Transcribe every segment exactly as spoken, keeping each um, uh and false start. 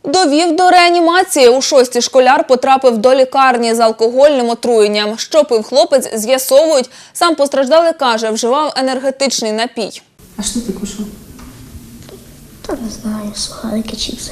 Довів до реанімації. У шостій школяр потрапив до лікарні з алкогольним отруєнням. Що пив хлопець, з'ясовують. Сам постраждалий каже, вживав енергетичний напій. А що ти кушав? Да не знаю, сухарики, чипсы.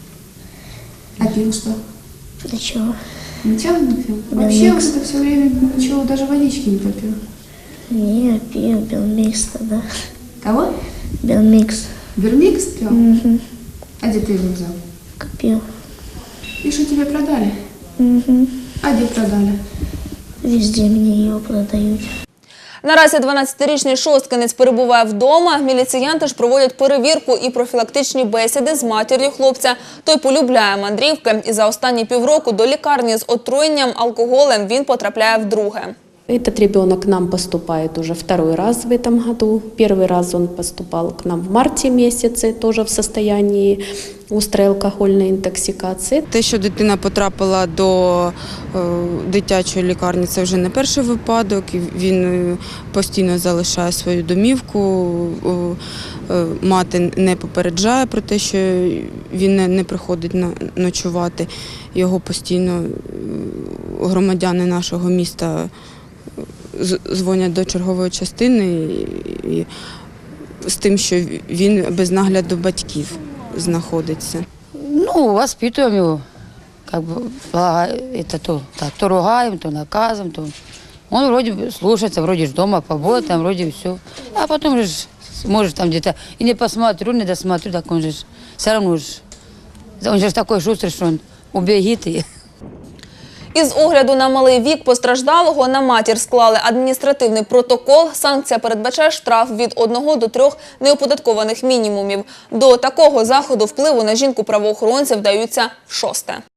А пил что? Ничего. Ничего не пил? Да Вообще нет. вот это все время ничего, даже водички не попил. Не, пил Белмикс тогда. Кого? Белмикс. Вермикс пил? Угу. А где ты его взял? Купил. И что тебе продали? Угу. А где продали? Везде мне его продают. Наразі дванадцятирічний шосткинець перебуває вдома. Міліціянти ж проводять перевірку і профілактичні бесіди з матір'ю хлопця. Той полюбляє мандрівки і за останні півроку до лікарні з отруєнням алкоголем він потрапляє вдруге. Этот ребенок к нам поступает уже второй раз в этом году. Первый раз он поступал к нам в марте месяце, тоже в состоянии острой алкогольной интоксикации. Те, що дитина потрапила до е, дитячої лікарні, це вже не перший випадок. Він е, постійно залишає свою домівку. Е, е, мати не попереджає про те, що він не, не приходить на, ночувати. Його постійно е, громадяни нашого міста дзвонять до чергової частини і, і, з тим, що він без нагляду батьків знаходиться. Ну, воспитываем его, как бы, это то, так, то ругаем, то наказываем, то он вроде бы слушается, вроде ж дома побоит, там вроде все, а потом же может там где-то и не посмотрю, не досмотрю, так он же все равно же, он же такой шустрый, что он убегит и... Із огляду на малий вік постраждалого на матір склали адміністративний протокол. Санкція передбачає штраф від одного до трьох неоподаткованих мінімумів. До такого заходу впливу на жінку правоохоронці вдаються вшосте.